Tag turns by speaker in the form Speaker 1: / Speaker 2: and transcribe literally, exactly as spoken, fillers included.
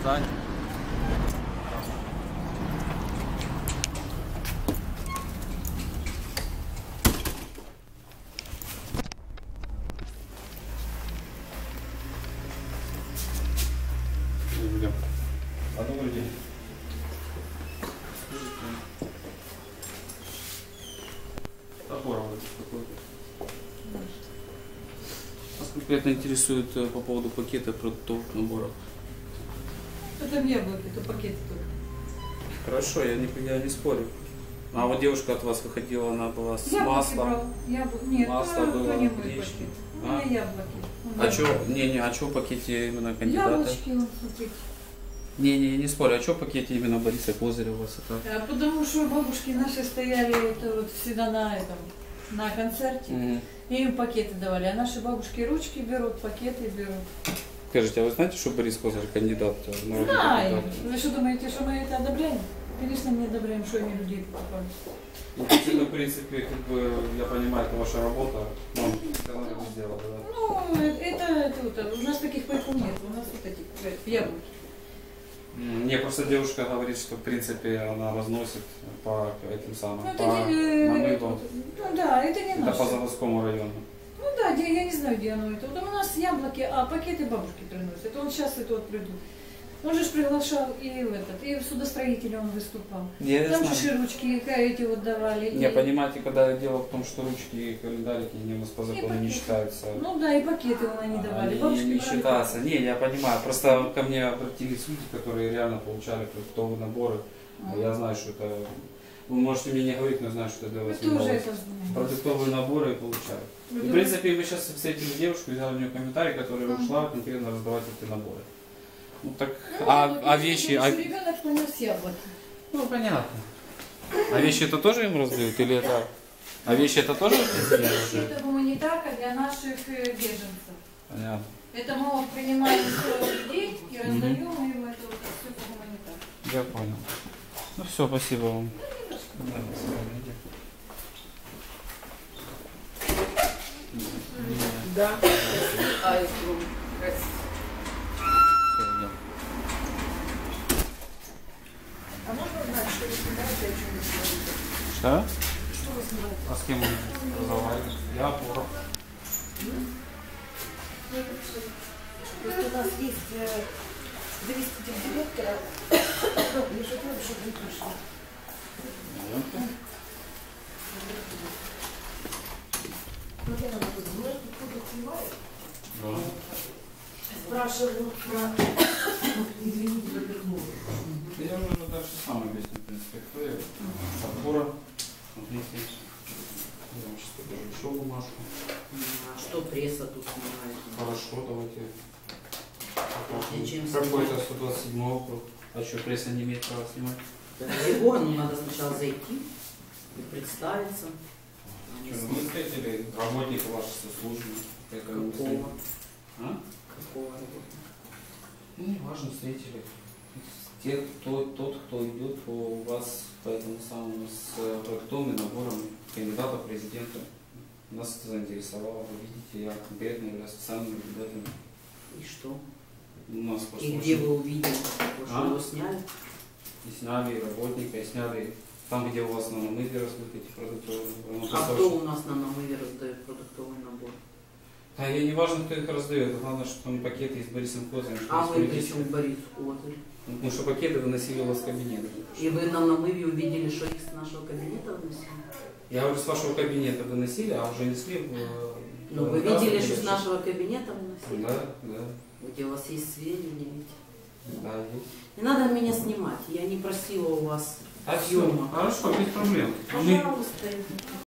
Speaker 1: Встань. А добрый день. Топоров какой-то. Нас конкретно интересует по поводу пакета продуктовых наборов.
Speaker 2: Это не яблоки, это пакеты только.
Speaker 1: Хорошо, я не, я не спорю. А вот девушка от вас выходила, она была с
Speaker 2: Яблоки
Speaker 1: маслом.
Speaker 2: брал. Ябл... Нет,
Speaker 1: масло
Speaker 2: то,
Speaker 1: было,
Speaker 2: то не мой
Speaker 1: гречки.
Speaker 2: пакет. У
Speaker 1: А?
Speaker 2: меня яблоки. У
Speaker 1: А
Speaker 2: меня
Speaker 1: что, не, не, а что в пакете именно кандидата?
Speaker 2: Яблочки, вот, смотрите.
Speaker 1: Не, не, не спорю, а что в пакете именно Бориса Козырева у вас это?
Speaker 2: А потому что бабушки наши стояли это вот всегда на этом, на концерте,
Speaker 1: Угу.
Speaker 2: и им пакеты давали. А наши бабушки ручки берут, пакеты берут.
Speaker 1: Скажите, а вы знаете, что Борис Козырев кандидат? в народные
Speaker 2: Знаю.
Speaker 1: депутаты?
Speaker 2: Вы что думаете, что мы это одобряем? Конечно, не одобряем, что они людей покупают.
Speaker 1: Ну, в принципе, как бы, я понимаю, это ваша работа, но все равно это сделала, да?
Speaker 2: Ну, это, это вот, у нас таких пайков нет, у нас вот эти э, яблоки.
Speaker 1: Мне просто девушка говорит, что в принципе она разносит по этим самым,
Speaker 2: Ну, это
Speaker 1: по
Speaker 2: не, э,
Speaker 1: намывам.
Speaker 2: ну да, это не
Speaker 1: Это
Speaker 2: наше.
Speaker 1: по заводскому району.
Speaker 2: Ну да, где- я не знаю, где оно это. Вот у нас яблоки, а пакеты бабушки приносят. Он сейчас это вот придут. Он же ж приглашал и в этот, и в судостроителе он выступал.
Speaker 1: Я
Speaker 2: Там
Speaker 1: знаю.
Speaker 2: же ж ручки эти вот давали.
Speaker 1: Не,
Speaker 2: и-
Speaker 1: понимаете, когда дело в том, что ручки и календарики не у нас по
Speaker 2: и
Speaker 1: закону не
Speaker 2: пакеты.
Speaker 1: считаются.
Speaker 2: Ну да, и пакеты вон они давали.
Speaker 1: Они
Speaker 2: Бабушки
Speaker 1: не
Speaker 2: брали
Speaker 1: считаются. Не, я понимаю. Просто ко мне обратились люди, которые реально получали продуктовые наборы.
Speaker 2: А.
Speaker 1: Я знаю, что это... Вы можете мне не говорить, но знаю, что это для
Speaker 2: Мы
Speaker 1: вас
Speaker 2: тоже
Speaker 1: новость.
Speaker 2: это знаем.
Speaker 1: Продуктовые наборы получают.
Speaker 2: Вы
Speaker 1: И, в
Speaker 2: думаете?
Speaker 1: принципе, мы сейчас встретили девушку, взяли у нее комментарий, которая
Speaker 2: Ага.
Speaker 1: ушла конкретно раздавать эти наборы. Ну так,
Speaker 2: Ну,
Speaker 1: а,
Speaker 2: вот
Speaker 1: а
Speaker 2: если
Speaker 1: вещи...
Speaker 2: наш
Speaker 1: А...
Speaker 2: ребенок принес яблоки.
Speaker 1: Ну, понятно. А вещи это тоже им раздают? Или это... А вещи это тоже раздают?
Speaker 2: Это гуманитарка для наших э, беженцев.
Speaker 1: Понятно.
Speaker 2: Это мы вот принимаем сто людей и раздаем им это вот все по гуманитарке.
Speaker 1: Я понял. Ну все, спасибо вам. Да, до свидания.
Speaker 3: Да. А, это красиво.
Speaker 1: Всё, идём.
Speaker 3: А можно узнать, что вы снимаете, о чем вы говорите?
Speaker 1: Что?
Speaker 3: Что вы снимаете?
Speaker 1: А с кем мы разговариваем? Я опора.
Speaker 3: Просто у нас есть э, заместитель директора. Я же говорю, чтобы вы пришли. Ну, я надо будет, может, кто-то снимает?
Speaker 1: Да.
Speaker 3: Спрашиваю про... Извините, запихнула.
Speaker 1: Я уже дальше сам объясню, в принципе, кто я. Опора. Смотрите. Я вам сейчас покажу еще бумажку.
Speaker 4: А что пресса тут снимает?
Speaker 1: Хорошо, давайте.
Speaker 4: И чем
Speaker 1: Какой-то
Speaker 4: снимать?
Speaker 1: сто двадцать седьмой округ. А что, пресса не имеет права снимать?
Speaker 4: Это его, ну надо сначала зайти и представиться. А не
Speaker 1: Что, ну,
Speaker 4: снимать.
Speaker 1: вы встретили работника вашей соцслужбы? Как они
Speaker 4: Какого?
Speaker 1: встретили? А?
Speaker 4: Какого работника?
Speaker 1: Ну, не важно, встретили. Те, кто, тот, кто идет у вас по этому самому с продуктовыми наборами кандидата в президента. Нас это заинтересовало. Вы видите, я конкретно являюсь специальным наблюдателем.
Speaker 4: И что?
Speaker 1: У нас просто
Speaker 4: И где
Speaker 1: очень-
Speaker 4: вы увидели? Вы что,
Speaker 1: А?
Speaker 4: его сняли?
Speaker 1: И сняли и работника, и сняли там, где у вас на намыве раздают эти продуктовые наборы. Ну,
Speaker 4: А
Speaker 1: просто
Speaker 4: кто
Speaker 1: очень-
Speaker 4: у нас на намыве раздает продуктовый набор?
Speaker 1: Да, я не важно, кто их раздает. Главное, что там пакеты из Борисом Козырем. что
Speaker 4: А
Speaker 1: из
Speaker 4: вы
Speaker 1: политических.
Speaker 4: причем Борис Козырь?
Speaker 1: Ну, потому что пакеты выносили у вас в кабинет.
Speaker 4: И вы на намыве увидели, что их с нашего кабинета вынесли?
Speaker 1: Я говорю, с вашего кабинета выносили, а уже несли в...
Speaker 4: Ну
Speaker 1: в-
Speaker 4: вы
Speaker 1: в-
Speaker 4: видели,
Speaker 1: в-
Speaker 4: что с нашего кабинета выносили?
Speaker 1: Да, да,
Speaker 4: Где у вас есть сведения эти?
Speaker 1: да. есть.
Speaker 4: Не надо меня снимать, я не просила у вас
Speaker 1: А все,
Speaker 4: съемок.
Speaker 1: хорошо, без проблем. Мы-
Speaker 4: Пожалуйста.